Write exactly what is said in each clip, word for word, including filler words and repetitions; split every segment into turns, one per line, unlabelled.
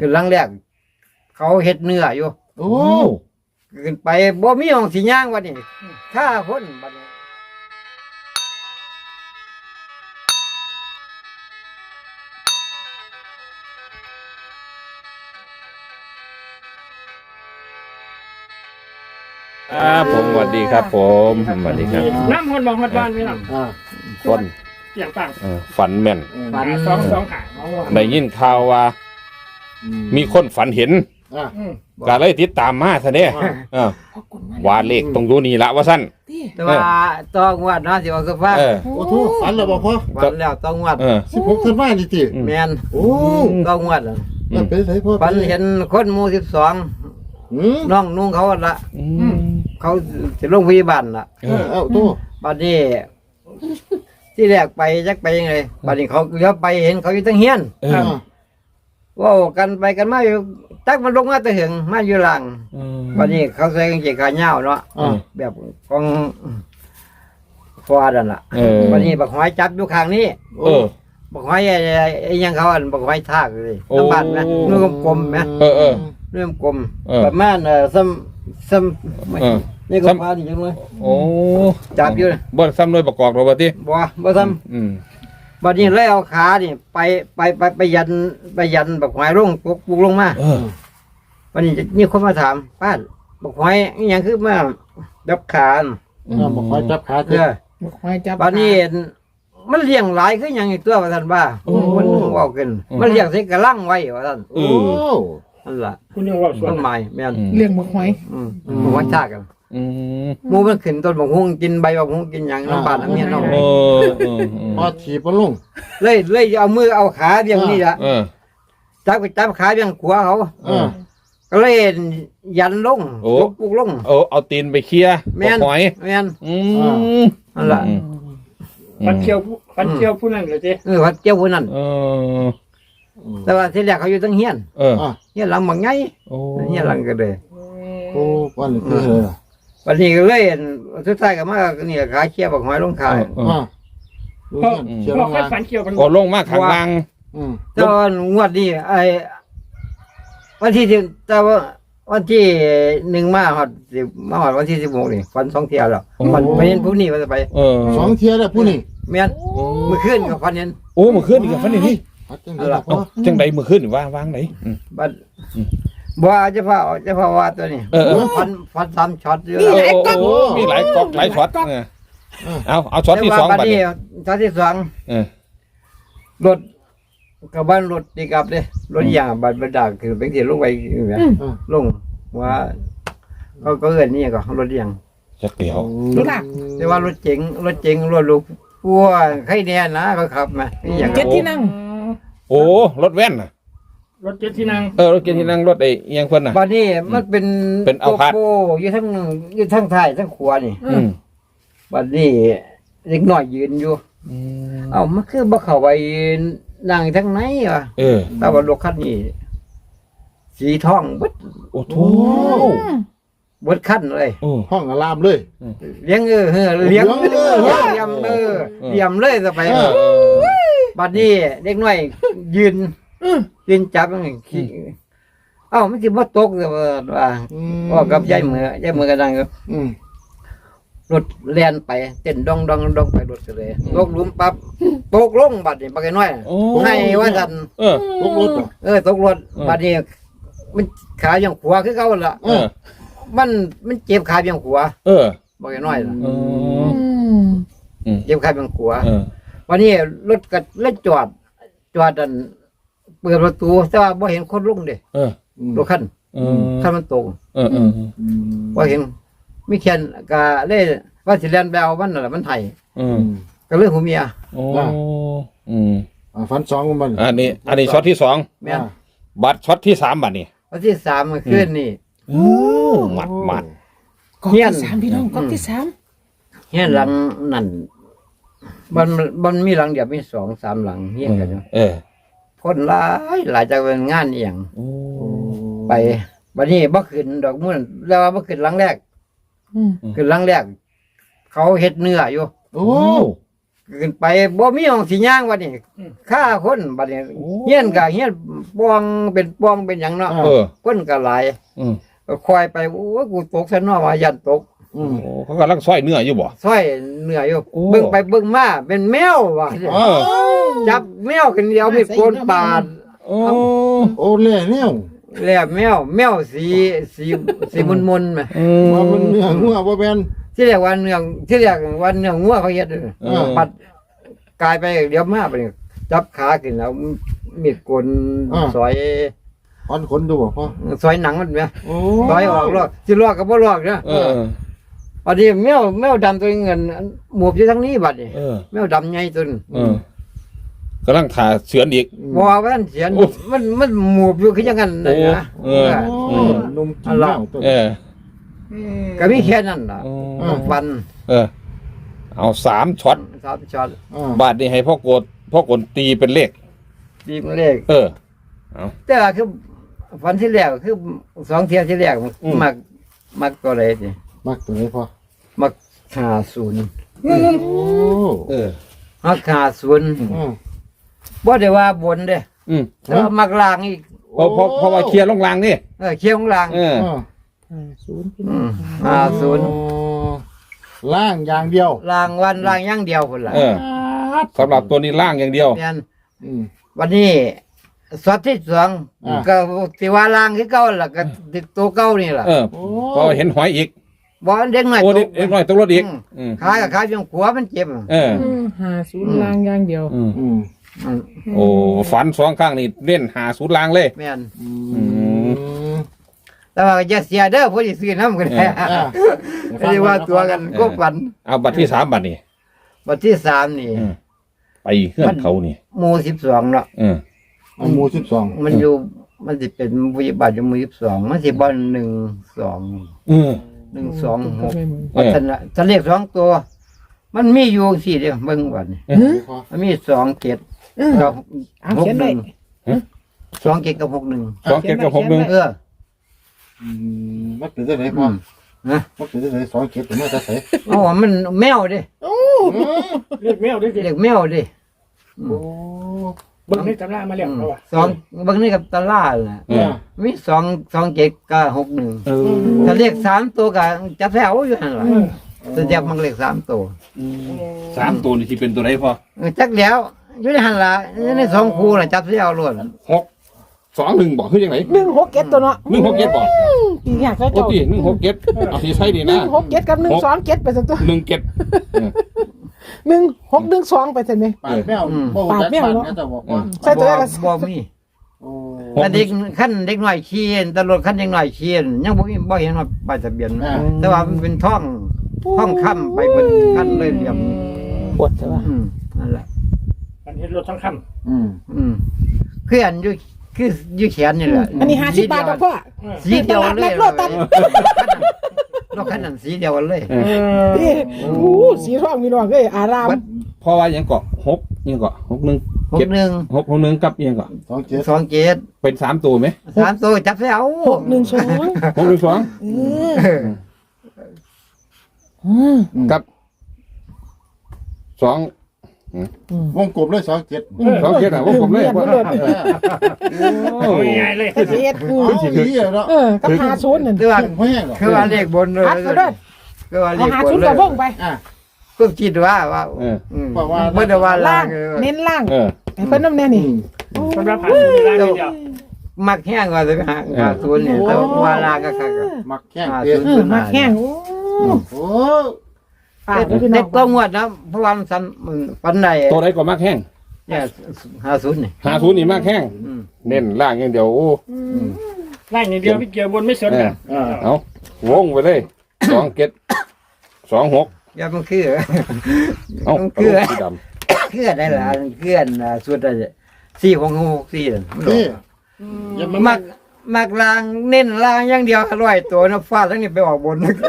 ขึ้นหลังแรกเขาเฮ็ดเนื้ออยู่
โอ้
ขึ้นไปบ่มีห้องสิย่างวันนี้ถ้าคนบัดนี้
ครับผมสวัสดีครับผมสวัสดีครับ
น้ำหดมองหดบ้านไม่หรอก
อ่า
คน
เสียงต่าง
เออฝันแม่น
ฝัน
สองสองหาง
ได้ยินข่าวว่า มีคนฝันเห็น
อ่า
ก็เลยติดตามมาซะเนี่ยเออว่าเลขตรงอยู่นี่ละว่าสั้น
แต่ว่าต้องวัดเนาะสิว่าสุภาพ
เออ
โอ้โหฝันแล้วบ่พ่อ
ฝันแล้วต้องวัด
เออ
สิบหกธันวาคมนี่ติ
แม่น
โอ้
ต้องวัดอะ
แล้วเป็นไสพ่อ
ฝันเห็นคนหมู่สิบสอง
อืม
น้องนุ่งเขาละ
อืม
เขาสิลงพยาบาลละ
เอ
เออ
อ
เอ้าโต
บัดนี้ ที่แรกไปจักไปยังไงบัดนี้เขาเลี้ยวไปเห็นเขาอยู่ตั้งเฮียน
เอ
อ่า
อ
เว่ากันไปกันมาอยู่ตักมันลงมาแตะหึงมาอยู่หลัง
เออ
บัดนี้เขาใส่กางเกงขาเหย้าเนาะ
อ่า
แบบของฟอดันล่ะ
เออ
บัดนี้บักหอยจับอยู่ข้างนี้
เออ
บักหอยไอ้ไอ้ยังเขาอันบักหอยทากเลย
โอ้
น้ำบานนะนุ่มกลมๆไหม
เออเออ
นุ่มกลม
เออ
ประมาณเอ่อซ้ำซ้ำไม่
เออ
นี่ก็
ซ้ำ
พาดีจังเลย
โอ้
จับอยู่เลย
บ่ซ้ำหน่วยประกอบหรอกว่าติ
บ่บ่ซ้
อืม
ำบัดนี้เลยเอาขานี่ไปไปไปไปยันไปยันบักหอยลงปลุกปลุกลงมา
เออ
บัดนี้นี่คนมาถามป้าบักหอยอหยังคือมาดับขาน่ะ
อ่าบ่ค่อยจับขา
เอ
เด้อ
อ
คอยจับ
บัดนี้มันเลี้ยงหลายคือหยังอีกตัวว่าท่านว่ามันเว้ากันมันเลี้ยงใส่กระลังไว้ว่าท่าน
เอ
โอ้
อ
นั่นล่ะ
คุณยังว่าสว
ต้
น
นไม้แม่น
อืม
เลี้ยงบักหอย
อืมบักหอยทากกัน
อืม
หมูมันขึ้นต้นบักฮุ้งกินใบบักฮุ้งกินหยังน้ำบานน้ำเมียนเนาะ
เออเออเอ
พอ
อ
ถีบมันลง
เลยเลยเอามือเอาขาเบี่ยงนี่ล่ะ
เออ
จับไปจับขาเบี่ยงขวาเขา
เออ
ก็เลยยันลง
โอ้
ปลุกปลุกลง
เอาเอาตีนไปเคลียร์
แม่น
หอย
แม่น
อืม
นั่นล่ะ
อืม
ฟันเคียวฟันเคียวผู้นั้นเลยจี
เออวัดเจ้าคนนั้น
เออ
แต่ว่าที่แรกเขาอยู่ตั้งเฮียน
เออ
อ่า
เฮียนหลังบางไง
โอ้
เฮียนหลังก็เลย
โอ้วันนี้คือเลยอ่ะ
วันนี้ก็เลยสุดท้ายก็มานี่ขาเชี่ยบักหอยลงขาย
เออ
อ่าดู
เพราะ
กันเชียว
เพ
ล
ราะ
ง
ค่อย
มา
ฟันเคียวกัน
ก็ลงมาข้างล่าง
อืม
ตอนงวดนี้ไอ้วันที่สิบแต่ว่าวันที่หนึ่งมาหอดสิบมาหอดวันที่สิบหกนี่ฟันสองเที่ยวแล้วมันไปเห็นผู้นี้มันจะไป
เออ
สองเทียแล้วผู้นี้
แม่นเมื่อคืนกับฟันเห็น
โอ้เมื่อคืนนี่กับฟันนี่นี่
พัดจังได๋ล่ะพ่อ
เอาจังใดเมื่อคืนนี่ว่างวางไหนอืม
บัดบัวจะพาจะพาว่าตัวนี้
เออเออ
ฟันฟันสามช็อตอยู่
โอ้โอ้โอ้มีหลายก๊อกหลายช็อตเออเอาเอาช็อตที่สอง
บัด
บัด
นี้
นี้
ช็อตที่สอง
เออ
รถกับบ้านรถตีกลับเลยรถยางบัดบัดดากคือเป็นที่ลงไปอยู่แบบลงว่าเขาก็เอิ้นนี่ก็รถยาง
จักเดียว
รู้ล่ะ
แต่ว่ารถเจ๋งรถเจ๋งรถลูกพัวใครแน่นะเขาขับมาอย่าง
เจ็ดที่นั่ง
โอ้รถแว่นน่ะ
รถเจ็ดที่นั่ง
เออรถเก๋งที่นั่งรถไอ้อิหยังเพิ่นน่ะ
บัดนี้มันเป็น
เป็นเอาพัด
โกโก้อยู่ทั้งอยู่ทั้งท้ายทั้งขวานี่
อืม
บัดนี้เด็กน้อยยืนอยู่
อืม
เอ้ามันคือบ่เข้าไปนั่งทั้งไหนวะ
เออ
แต่ว่ารถคันนี้สีทองเบิด
โอ้โถ
เบิดคันเลย
โอ้
ห้องอารามเลย
เลี้ยงเออเออเลี้ยง
เลี้
เลี้
ย
ย
ง
ง
เลย
เลี้ยงเออเลี้ยงเลยจะไป
เออเออ
บัดนี้เด็กน้อยยืนยืนจับมันขี้เอ้ามันสิบ่ตกเลยว่าว่า
อืม
ว่ากับยายมือยายมือกันดังอยู่
อืม
รถแล่นไปเต้นดองดองดองไปรถเลยตกหลุมปั๊บตกลงบัดนี้ปากน้อย
โอ้
ให้ว่าซั่น
เออ
ตกรถเหรอ
เออตกรถ
อืม
บัดนี้มันขาอย่างขวาคือเก่าล่ะ
เออ
มันมันเจ็บขาอย่างขวา
เออ
ปากน้อยน่ะ
เอออืม
เจ็บขาอย่างขวา
เออ
วันนี้รถก็เลยจอด จอดอันเปิดประตูแต่ว่าบ่เห็นคนลงเด้
เออ
อืม
รถคัน
เออ
คันมันตก
เออเออ
อืม
บ่เห็นมีแค่นก็เลยว่าสิแล่นไปเอามันนั่นล่ะมันไห้
เอ
อื
อ
ม
ก็เลยหูเมีย
โอ้อืม
อ่าฟันสองมัน
อันนี้ อันนี้ช็อตที่สอง
แม่น
บัตรช็อตที่สามบัตรนี่
วันที่สามเมื่อคืนนี่
โอ้หมัดหมัด
ก๊อก
เฮียน
ที่สามพี่น้องก๊อกที่สาม
เฮียนหลังนั่นมันมันมีหลังเดียวมีสองสามหลังเฮียนกันอยู่
เออ
คนหลายหลายจากเป็นงานเอียง
โอ้
ไปวันนี้บ่ขึ้นดอกมุ่นแล้วว่าบ่ขึ้นหลังแรก
อืม
ขึ้นหลังแรกเขาเฮ็ดเนื้ออยู่
โอ้
ขึ้นไปบ่มีห้องสิย่างบัดนี้ฆ่าคนบัดนี้เฮียนก็เฮียนปองเป็นปองเป็นหยังเนาะ
เออ
คนก็หลาย
อืม
ก็คอยไปโอ้ยกูตกซะเนาะว่ายันตก
อืม
โอ้เขากำลังซอยเนื้ออยู่บ่
ซอยเหนื่อยอยู่
โอ้
เบิ่งไปเบิ่งมาเป็นแมวว่ะ
เออ
จับแมวกันเดียวมีดโกนปาด
โอ้
โอ้เล่เนี่ย
แล้วแมวแมวสีสีสีมุนๆแหม
อืม
ว่ามันเนื้องัวบ่แม่น
ที่เรียกว่าเนื้อที่เรียกว่าเนื้องัวเขาเฮ็ดเด้อ
เออ
ปัดกลายไปเดี๋ยวมาไปนี่จับขาขึ้นแล้วมีดโกนซอย
อ่อนขนดูบ่พ่อ
ซอยหนังมันแหม
โอ้
ซอยออกลอกสิลอกก็บ่ลอกเด้อ
เออ
พอดีแมวแมวดำตัวเงินหมวบอยู่ทางนี้บัดนี้
เออ
แมวดำใหญ่ตัวนึง
เออกำลังถ่าเสือนอีก
บ่ว่ามันเสียนมันมันหมวบอยู่คือจังนั้นน่ะนะ
โอ้เออ
โอ้นมกินเหล้าตัว
เออ
ก็มีแค่นั้นล่ะ
โอ้
ฟัน
เออ เอาสามช็อต
สามช็อต
อ่า
บาทนี่ให้พ่อโกดพ่อกดตีเป็นเลข
ดีมันเลข
เออ
แต่ว่าคือฟันที่แรกคือสองเที่ยที่แรก
อืม
มักมักตัวใดสิ
มักตัวไหนพ่อ
มักห้าศูนย์
โอ้
เออ
มักห้าศูนย์
อ่า
บ่ได้ว่าบนเด้
อืม
แต่ว่ามักล่างอีก
เพราะเพราะเพราะว่าเคลียร์ลงรางนี่
เออเคี้ยวของล่าง
เออ
อ่า
ศูนย์
อืมห้าศูนย์
โอ้ล่างอย่างเดียว
ล่างวันล่างอย่างเดียวพุ่นล่ะ
เออสำหรับตัวนี้ล่างอย่างเดียว
แม่น
อืม
วันนี้สอดที่สอง
อ่า
ก็สิว่าล่างคือเก่าล่ะก็ติดตัวเก่านี่ล่ะ
เออ
โอ้
พอเห็นหอยอีก
บ่เด็กน้อย
โอ้
ต
เด็ก
ก
เด็กน้อยตกรถอีก
อืม
อืม
ขากับขาเพียงขวามันเจ็บ
เออ
หาศูนย์ลางอย่างเดียว
อืม
อืม
อืม
โอ้ฝันสองข้างนี่เล่นหาศูนย์ลางเลย
แม่น
อืม
แต่ว่าอย่าเสียเด้อผู้ที่ซื้อน้ำกันแท้
อ่า
ไม่ได้ว่าตัวกันก็ฝัน
เอาบัตรที่สามบัตรนี่
วันที่สามนี่
อืมไปเพื่อนเขานี่
หมู่สิบสองเนาะ
เออ
เอาหมูสิบสอง
มันอยู่มันสิเป็นวิบัติอยู่หมู่สิบสองมันสิบอลหนึ่งสอง
เออ
หนึ่งสองหก
เออ
ท่านน่ะท่านเลขสองตัว มันมีอยู่สี่เดียวเบิ่งวันนี้
พ่อ
มันมีสองเกตกับ
เอา
หก
เขียน
ห
ไว้
นึ่งสองเกตกับหกหนึ่ง
สองเจ็ดกับหกหนึ่ง
เออ
อืมมันเป็นจังไดพ่อ
นะ
มันเป็นจังไดสองเก็บเป็นมาแต่ไส
อ๋อมันแมวเดิ
เรียกแมวด้วยสิ
เด็กแมวเดิ
โอ้
เบิ่งในตำรามาแล้วเขาว่า
สองเบิ่งนี่กับตาล่าแหละ
เออ
มีสองสองเจ็ดกับหกหนึ่ง
เออ
ถ้าเลขสามตัวก็จับแถวอยู่นั่นแหละจะจับมันเลขสามตัว
สามตัวนี่ที่เป็นตัวไหนพอ
เออจักแล้วอยู่ในหันละอยู่ในสองคู่น่ะจับแถวล้วน
หกสองหนึ่งบอกคือยังไง
หนึ่งหกเก็ดตัวเนาะ
หนึ่งหกเจ็ดบอก
ปีอยากจะ
โอ้
เจ้า
ตีหนึ่งหกเจ็ดเอาที่ใช่ดี
หนึ่
นะ
งหกเก็ดกับหนึ่งสองเก็ดไปสักตัว
หนึ่งเจ็ดเออ
หนึ่งหกหนึ่งสองไปสักไหม
ปาดแมวบ่
ปาดแมว
จัก
เนอะ
ปจะบอก
เอ
ว่า
อ
ใช่ตัวแรกก็
บ่มี
โอ้
แต่เด็กขั้นเด็กน้อยขี้ตำรวจขั้นเด็กน้อยขี้ยังบ่มีบ่เห็นว่าป้ายทะเบียน
อ่า
แต่ว่ามันเป็นท่องท่องค่ำไปเพิ่นขั้นเลยเรียม
ปวดใช่ปะ
อืมนั่นแหละ
มันเห็นรถทั้งค
อืม
อืมคืออันอยู่คืออยู่แขนนี่แหละ
อันนี้ห้าสิบบาทกับพ่อ
ำ
สีเดียวเลย
โลตัส
รถคันนั้นสีเดียวกันเลย
เออ
นี่โอ้โหสีทองมีรองเอ้ยอาราม
เพราะว่ายังเกาะหกยังเกาะหกหนึ่ง
หก
เจ็ด
หนึ่ง
หกหกหนึ่งกับยังเกาะ
สองเจ็ด
สองเจ็ด
เป็นสามตัวไหม
สามตัวจับแถว
หกหนึ่งสอง
หกหนึ่งสอง
เออ
เออ
อืม
กับสอง
วงกลมเลยสองเจ็ด
สองเจ็ดอ่ะว่าผมเลยว่า
โอ้ยง่ายเลย
เอ็ดอืม
เอาดีอะเนาะ
เออกับหาศูนย์นั่น
คือว่า
ถึงพ่อแห้งหรอ
คือว่าเลขบนเลย
พักก็ได้
คือว่าเล
เอา
ข
หา
บน
ศูนย์
เล
กับ
ย
วงไป
อ่ะ
ก็คิดว่าว่า
เออ
อืม
บอกว่า
เมื่อแต่ว่าล่า
ล่าง ง
เออ
เน้นล่าง
เออ
ให้เพิ่นน้ำแน่นี่
อืม
สำหรับผ่านศูนย์ลางอย่างเดียว
มักแห้งกว่าจะไปหาหาศูนย์เนี่ยแต่ว่าล่างก็คักอะ
มักแห้ง
หา
เตี้ย
ศูนย์
เออมาแข้งโอ้
โอ้
ปาดดูพี่น้
เด็
อก ง
ต้องงวดนะเพราะว่ามันซ้ำมันปันใด
ตัวไหนก็มากแห้ง
เนี่ยหาศูนย์นี่
หาศูนย์นี่มากแห้ง
อืม
เน้นล่างอย่างเดียวโอ้
ล่างอย่างเดียวพี่เกียร์บนไม่สนกัน
อ่า
เอาวงไปเลยสองเจ็ดสองหก
อย่ามันคือ
เอ้า
มัน
กระ
คือ
โหลกสีดำ
เคลื่อนได้ละเคลื่อนอ่าสุดอะไรสี่ของหกสี่นั่นมันออ
นี่
ก
อย่ามา
มั
มั
กมักลางเน้นลางอย่างเดียวร้อยตัวนะฟาดทั้งนี้ไปออกบน
อ่า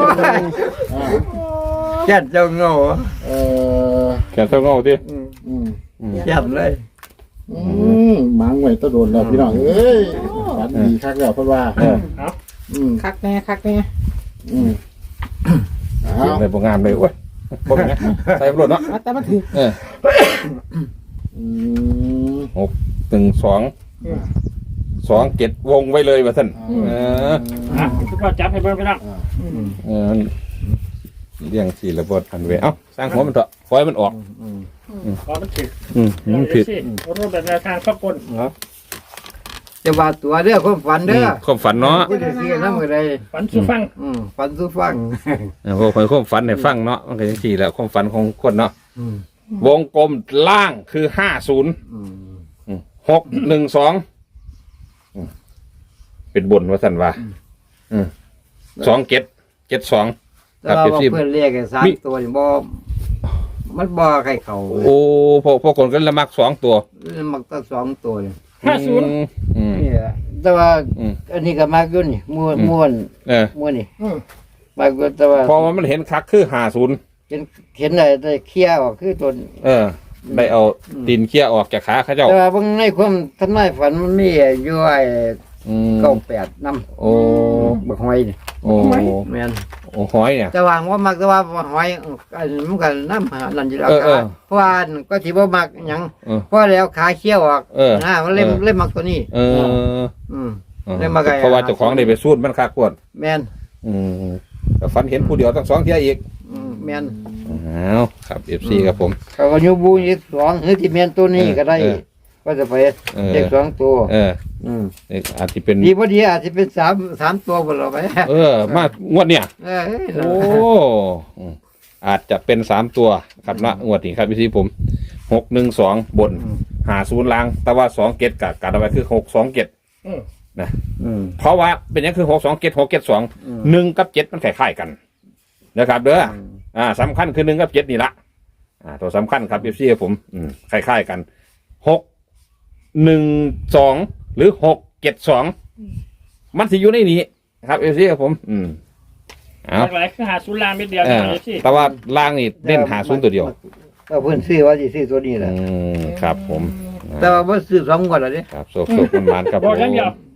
แค่เจ้าโง่
เออ
แขนเท่าเงาที่
อืม
อืม
แค่เลย
อืมหมังไว้ตะโดนแล้วพี่น้องเอ้ยฝันดีคักแล้วเพิ่นว่า
เออ
อืม
คักแน่คักแน่
อืมเอา
เสียงเลยบ่งามเลยโอ้ยบ่เป็นไงใส่รถเนาะ
แต่มันถือ
เออ
อืม
หนึ่งสองสองเจ็ดวงไว้เลยว่าท่านเออ
อ่ะทุกคนจับให้เบิ่งพี่น้อง
เออเลี้ยงสี่ระเบิดพันเวเอ้าสร้างหัวมันเถอะคอยมันออก
ขอมันถึก
อืมมันผิด
สิรูปแบบแนวทางข้อกล
จะว่าตัวเด้อความฝันเด้อ
ความฝันเนาะ
ผู้ที่ซื้อนำก็ได้
ฝันสู่ฟัง
อืมฝันสู่ฟัง
เออพวกคนความฝันให้ฟังเนาะมันก็ยังสี่แหละความฝันของคนเนาะ
อืม
วงกลมล่างคือห้าศูนย์
อืม
หกหนึ่งสองเป็นบนว่าสันว่าสองเจ็ดเจ็ดสอง
แต่ว่าเพื่อนเรียกไอ้สามตัวนี่บ่มันบ่ใครเขา
โอ้พวกพวกคนก็ละมักสองตัว
มักตั้งสองตัวนี่
ห้าศูนย์
อืม
นี่แหละแต่ว่า
อืม
อันนี้ก็มากอยู่นี่ม่วน
อืม
ม่วน
เออ
ม่วนนี่
อืม
มากอยู่แต่ว่า
พอมันเห็นคักคือห้าศูนย์
เห็นเห็นได้ได้เคลียร์ออกคือตัว
เออ ได้เอาตีนเขี้ยออกจากขาเขาเจ้า
แต่ว่าเบิ่งในความทำนายฝันมันมีอยู่ไอ้
อืม
เก้าแปดนำ
โอ้
บักหอยนี่
โอ้
แม่น
โอ้หอยเนี่ย
แต่ว่าว่ามักแต่ว่าบักหอยอันนี้มันก็นำหานั่นอยู่แล้ว
เออเออ
เพราะว่าอันก็สิบ่มักหยัง
เออ
เพราะแล้วขาเคี้ยวออก
เออ
นะมันเล่ม
เออ
เล่มมักตัวนี้
เออ
อืม
เออ
ได้มาไกล
เพราะว่าเจ้าของได้ไปสูดมันคักปวด
แม่น
อืมแต่ฝันเห็นผู้เดียวตั้งสองเที่ยอีก
อืมแม่น
อ้าวครับเอฟซีครับผม
เขาก็อยู่บูอีกสองหรือที่แม่นตัวนี้ก็ได้
เออ
ก็จะไป
เออ
เด็กสองตัว
เออ
อืม
เอกอาจจะเป็น
ดีพอดีอาจจะเป็นสามสามตัวบนเราไป
เออ มางวดเนี่ย
เออ
โอ้อืมอาจจะเป็นสามตัวครับเนาะงวดนี้ครับพี่ซีผมหกหนึ่งสองบนหาศูนย์ล่าง แต่ว่าสองเกตกับการเอาไว้คือหกสองเกต
อืม
อืม
เพราะว่าเป็นอยังคือหกสองเกตหกเกตสอง
อืม
หนึ่งกับเจ็ดมันคล้ายๆกัน นะครับเด้ออ่าสำคัญคือหนึ่งกับเจ็ดนี่ละอ่าตัวสำคัญครับพี่ซีผม อืมคล้ายๆกันหกหนึ่งสองหรือหกเจ็ดสองมันสิอยู่ในนี้ครับพี่ซีผม อืมเอา
หลากหลายคือหาศูนย์ลางเม็ดเดียว
เอ
นะ
อ
สิ
แต่ว่าล่างนี่เล่นหาศูนย์ตัวเดียว
ก็เพิ่นซื้อว่าสิซื้อตัวนี้แหละ
อืมครับผม
แต่ว่าบ่ซื้อสองงวดแล้วเด้
ครับโซกโซกมันมันครับ
บ
ผ
อก
ม
อย่างเดียว